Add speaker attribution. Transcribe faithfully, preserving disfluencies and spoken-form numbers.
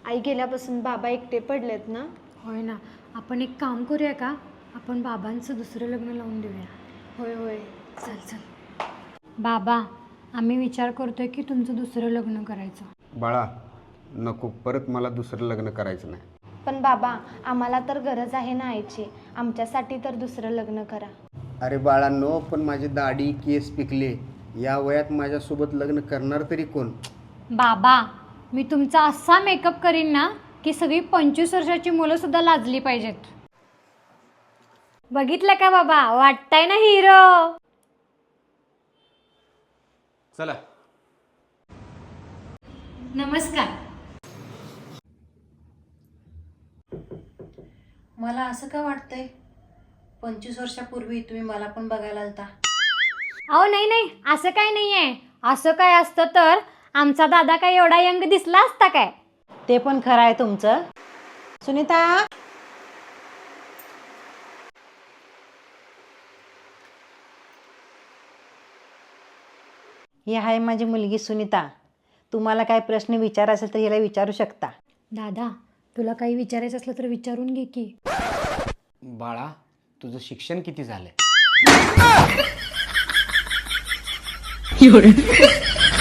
Speaker 1: आई गेल्यापासून बाबा एकटे पडलेत ना.
Speaker 2: होय ना. आपण एक काम करूया का, आपण बाबांचं दुसरं लग्न लावून देऊया.
Speaker 1: होय होय.
Speaker 2: चल चल. बाबा, आम्ही विचार करतोय की तुमचं दुसरं लग्न करायचं.
Speaker 3: बाळा नको, परत मला दुसरं लग्न करायचं नाही.
Speaker 1: पण बाबा, आम्हाला तर गरज आहे ना आईची. आमच्यासाठी तर दुसरं लग्न करा.
Speaker 3: अरे बाळांनो, पण माझी दाढी केस पिकले, या वयात माझ्यासोबत लग्न करणार तरी कोण?
Speaker 2: बाबा, मी तुमचा असा मेकअप करीन ना की सगळी पंचवीस वर्षाची मुलं सुद्धा लाजली पाहिजेत. बघितलं का बाबा, वाटताय ना हिरो.
Speaker 3: चला.
Speaker 2: नमस्कार.
Speaker 4: मला असं का वाटतंय, पंचवीस वर्षापूर्वी तुम्ही मला पण बघायला आलता.
Speaker 2: अहो नाही नाही, असं काय नाही आहे. असं काय असतं तर आमचा दादा काय एवढा यंग दिसला असता काय?
Speaker 4: ते पण खरं आहे तुमचं. सुनीता, ही आहे माझी मुलगी सुनीता. तुम्हाला काय प्रश्न विचार असेल तर हिला विचारू शकता.
Speaker 2: दादा, तुला काही विचारायचं असलं तर विचारून घे की.
Speaker 3: बाळा, तुझं शिक्षण किती झालंय?